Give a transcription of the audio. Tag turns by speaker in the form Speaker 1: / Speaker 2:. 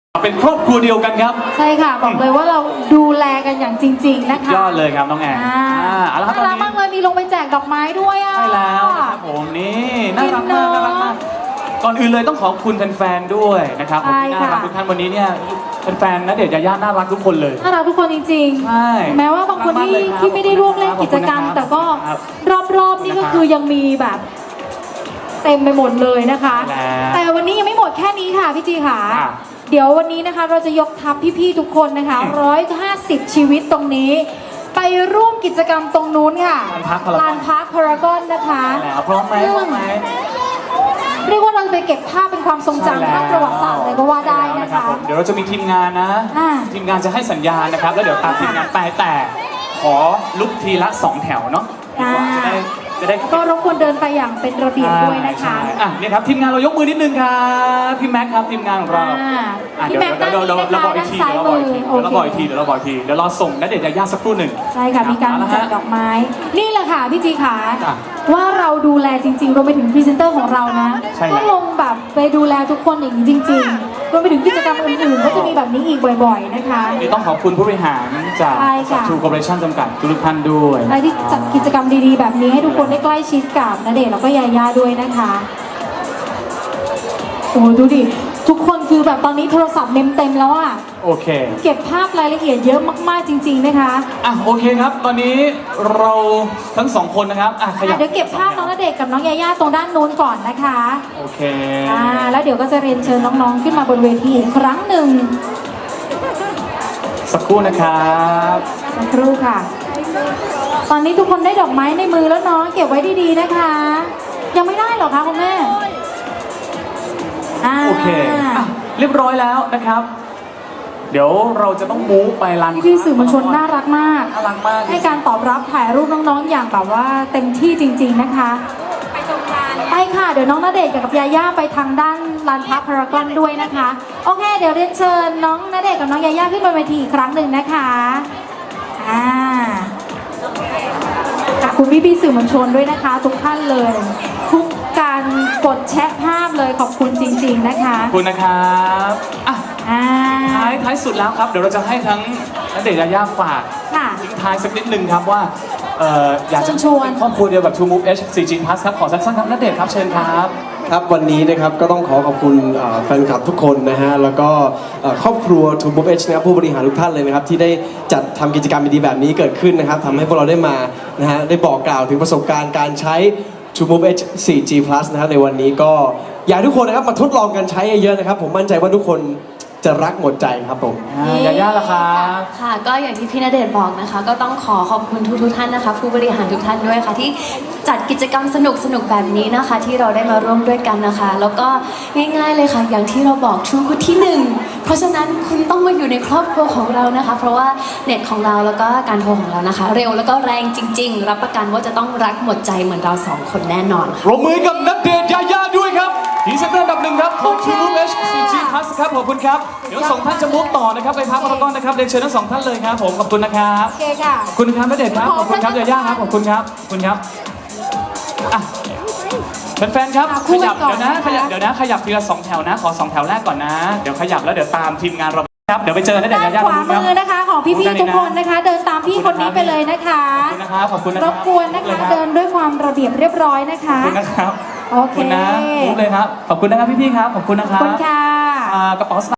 Speaker 1: เป็นครอบครัวเดียวกันครับ
Speaker 2: ใช่ค่ะบอกเลยว่าเราดูแลกันอย่างจริงๆนะคะ
Speaker 1: ยอดเลยครับน้องแอน
Speaker 2: น่ารักมากเลยมีลงไปแจกดอกไม้ด้วยอ่ะ
Speaker 1: ใช่แล้วนะครับผมนี่น่ารักมากน่ารักมากก่อนอื่นเลยต้องขอบคุณแฟนๆด้วยนะครับผมที่น่ารักทุกท่านวันนี้เนี่ยแฟนๆณเดชน์ยายาน่ารักทุกคนเลย
Speaker 2: น่ารักทุกคนจริงๆ
Speaker 1: ใช่
Speaker 2: แม้ว่าบางคนที่ไม่ได้ร่วมเล่นกิจกรรมแต่ก็รอบๆนี่ก็คือยังมีแบบเต็มไปหมดเลยนะคะแต่วันนี้ยังไม่หมดแค่นี้ค่ะพี่จีค่ะเดี๋ยววันนี้นะคะเราจะยกทัพพี่ๆทุกคนนะคะ150ชีวิตตรงนี้ไปร่วมกิจกรรมตรงนู้นค่ะลานพักพารากอนนะคะ
Speaker 1: พร้อมไหม
Speaker 2: เรียกว่าเราไปเก็บภาพเป็นความทรงจำทางประวัติศาสตร์เลยก็ว่าได้นะคะ
Speaker 1: เดี๋ยวเราจะมีทีมงานนะทีมงานจะให้สัญญาณนะครับแล้วเดี๋ยวตามทีมงานไปแต่ขอลุกทีละ2แถวเนาะจะได้
Speaker 2: ก็รบกวนเดินไปอย่างเป็นระเบียบด้วยนะคะ
Speaker 1: นี่ครับทีมงานเรายกมือนิดนึงครับพี่แม็กครับทีมงานของเรา
Speaker 2: พี่แม็กด้านนี้นะคะด้านซ้ายมือ
Speaker 1: เดี๋ยวเราบอกอีกทีเดี๋ยวเราส่งณเดชน์ยายาสักครู่หนึ่ง
Speaker 2: ใช่ค่ะมีการจัดดอกไม้นี่แหละค่ะพี่จีขาว่าเราดูแลจริงๆรวมไปถึงพรีเซนเตอร์ของเรานะก็ลงแบบไปดูแลทุกคนอย่างจริงๆรวมไปถึงกิจกรรมอื่นๆก็จะมีแบบนี้อีกบ่อยๆนะคะ
Speaker 1: นี่ต้องขอบคุณผู้บริหารจากทูคอร์ปอเรชั่นจำกัดทุกท่านด้วย
Speaker 2: ที่จัดกิจกรรมดีๆแบบนี้ให้ทุกคนได้ใกล้ชิดกับณเดชน์แล้วก็ยายาด้วยนะคะโอ้ดูดิทุกคนคือแบบตอนนี้โทรศัพท์เต็มแล้วอ่ะ
Speaker 1: โอเค
Speaker 2: เก็บภาพรายละเอียดเยอะมากๆจริงๆนะคะ
Speaker 1: โอเคครับตอนนี้เราทั้งสองคนนะครับขยับ
Speaker 2: เดี๋ยวเก็บภาพน้องณเดชน์กับน้องยายาตรงด้านนู้นก่อนนะคะ
Speaker 1: โอเค
Speaker 2: แล้วเดี๋ยวก็จะเรียนเชิญน้องๆขึ้นมาบนเวทีอีกครั้งหนึ่ง
Speaker 1: สักครู่นะครับ
Speaker 2: สักครู่ค่ะตอนนี้ทุกคนได้ดอกไม้ในมือแล้วเนาะเก็บไว้ดีๆนะคะยังไม่ได้หรอคะคุณแม่
Speaker 1: โอเคเรียบร้อยแล้วนะครับเดี๋ยวเราจะต้องมูฟไปลาน
Speaker 2: พี่สื่อมวลชนน่ารักมาก
Speaker 1: ให้
Speaker 2: การตอบรับถ่ายรูปน้องๆอย่างแบบว่าเต็มที่จริงๆนะคะไปตรงลานไปค่ะเดี๋ยวน้องณเดชน์กับยาย่าไปทางด้านลานพักพารากอนด้วยนะคะโอเคเดี๋ยวเรียนเชิญน้องณเดชน์กับน้องยาย่าขึ้นบนเวทีอีกครั้งหนึ่งนะคะขอบคุณพี่สื่อมวลชนด้วยนะคะทุกท่านเลยทุกการกดแชร์ภาพเลยขอบคุณจริงๆนะคะ
Speaker 1: ขอบคุณนะครับท้ายสุดแล้วครับเดี๋ยวเราจะให้ทั้งณเดชน์ยายาฝากทิ้งท้ายสักนิดนึงครับว่าอยากจะชวนครอบครัวเดียวแบบ True Move H 4G Plus ครับขอสั้นๆครับณเดชน์ครับเชิญครับ
Speaker 3: ครับวันนี้นะครับก็ต้องขอบคุณแฟนคลับทุกคนนะฮะแล้วก็ครอบครัว True Move H นะครับผู้บริหารทุกท่านเลยนะครับที่ได้จัดทำกิจกรรมดีๆแบบนี้เกิดขึ้นนะครับทำให้พวกเราได้มานะฮะได้บอกกล่าวถึงประสบการณ์การใช้ True Move H 4G Plus นะครับในวันนี้ก็อยากให้ทุกคนนะครับมาทดลองกันใช้เยอะๆนะครับผมมั่นใจว่าทุกคนจะรักหมดใจครับผม
Speaker 1: ยาย่าล่ะครับ
Speaker 4: ค่ะก็อย่างที่พี่ณเดชน์บอกนะคะก็ต้องขอบคุณทุกท่านนะคะผู้บริหารทุกท่านด้วยค่ะที่จัดกิจกรรมสนุกแบบนี้นะคะที่เราได้มาร่วมด้วยกันนะคะแล้วก็ง่ายๆเลยค่ะอย่างที่เราบอก True คือที่1เพราะฉะนั้นคุณต้องมาอยู่ในครอบครัวของเรานะคะเพราะว่าเน็ตของเราแล้วก็การโทรของเรานะคะเร็วแล้วก็แรงจริงๆรับประกันว่าจะต้องรักหมดใจเหมือนเรา2คนแน่นอน
Speaker 1: ปรบมือกับณเดชน์ยายาด้วยครับทีเซนเตอร์อันดับ1ครับของ True Move H 4G Plus ครับขอบคุณครับเดี๋ยว2ท่านจะมุกต่อนะครับไปพักพารากอนนะครับเรียนเชิญทั้ง2ท่านเลยครับผมขอบคุณนะครับ
Speaker 2: โอเคค่ะ
Speaker 1: ขอบคุณครับณเดชน์ครับขอบคุณครับยาย่าครับขอบคุณครับขอบคุณครับแฟนๆครับขยับเดี๋ยวนะขยับทีละ2แถวนะขอ2แถวแรกก่อนนะเดี๋ยวขยับแล้วเดี๋ยวตามทีมงานเราครับเดี๋ยวไปเจอณเดชน์ยาย่า
Speaker 2: ขวามือนะคะของพี่ๆทุกคนนะคะเดินตามพี่คนนี้ไปเลยนะคะ
Speaker 1: ขอบคุณนะครับขอบคุณนะ
Speaker 2: รบกวนนะคะเดินด้วยความระเบียบเรียบร้อยนะคะ
Speaker 1: ขอบคุณนะครับ
Speaker 2: โอเค
Speaker 1: นะมุกเลยครับขอบคุณนะครับพี่ๆครับขอบคุณนะครับ
Speaker 2: ขอบคุณค่ะ
Speaker 1: กระเป๋า